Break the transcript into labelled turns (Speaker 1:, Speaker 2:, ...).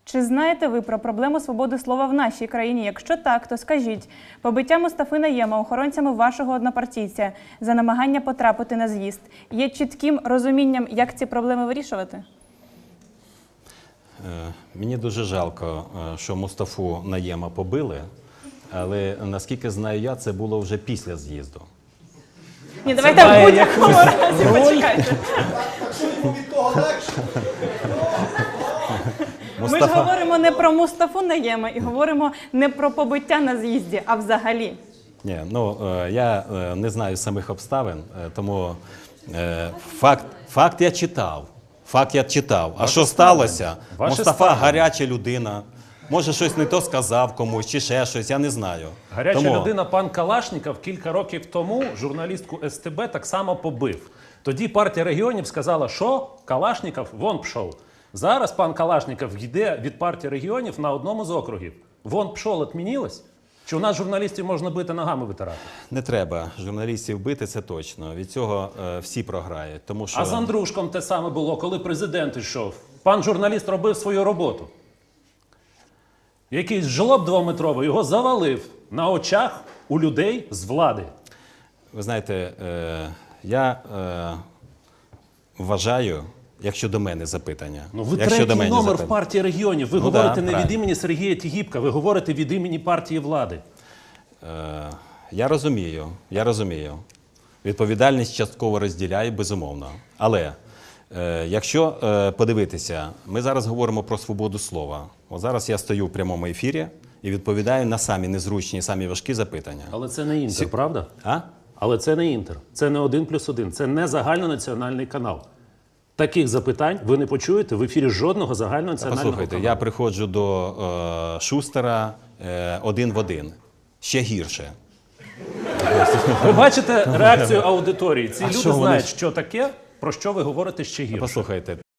Speaker 1: Чи знаєте ви про проблему свободи слова в нашій країні? Якщо так, то скажіть. Побиття Мустафи Найєма охоронцями вашого однопартійця за намагання потрапити на з'їзд є чітким розумінням, як ці проблеми вирішувати?
Speaker 2: Мені дуже жалко, що Мустафу Найєма побили, але, наскільки знаю я, це було вже після з'їзду.
Speaker 1: Ні, давайте в будь-якому разі, почекайте. Ми ж говоримо не про Мустафу Найєма і говоримо не про побиття на з'їзді, а взагалі.
Speaker 2: Ні, ну, я не знаю самих обставин, тому факт я читав. Факт я читав. А що сталося? Мустафа гаряча людина. Може, щось не то сказав комусь, чи ще щось, я не знаю.
Speaker 3: Гаряча людина пан Калашніков кілька років тому журналістку СТБ так само побив. Тоді партія регіонів сказала, що Калашніков вон пішов. Зараз пан Калашніков йде від партії регіонів на одному з округів. Вон пішов, відмінилось? Чи у нас журналістів можна бити, ногами витирати?
Speaker 2: Не треба журналістів бити, це точно. Від цього всі програють. Тому що...
Speaker 3: А з Андрушком те саме було, коли президент йшов. Пан журналіст робив свою роботу. Якийсь жлоб двометровий його завалив на очах у людей з влади.
Speaker 2: Ви знаєте, я вважаю, якщо до мене запитання.
Speaker 3: Ну, ви третій номер в партії регіонів. Ви говорите не від імені Сергія Тігіпка, ви говорите від імені партії влади.
Speaker 2: Я розумію. Відповідальність частково розділяю, безумовно. Але якщо подивитися, ми зараз говоримо про свободу слова. От зараз я стою в прямому ефірі і відповідаю на самі незручні, самі важкі запитання.
Speaker 3: Але це не Інтер, правда?
Speaker 2: А?
Speaker 3: Але це не Інтер. Це не 1+1. Це не загальнонаціональний канал. Таких запитань ви не почуєте в ефірі жодного загальнонаціонального каналу.
Speaker 2: Послухайте, я приходжу до Шустера один в один. Ще гірше.
Speaker 3: Ви бачите реакцію аудиторії. Ці люди
Speaker 2: що вони
Speaker 3: знають, що таке, про що ви говорите ще гірше.
Speaker 2: Послухайте,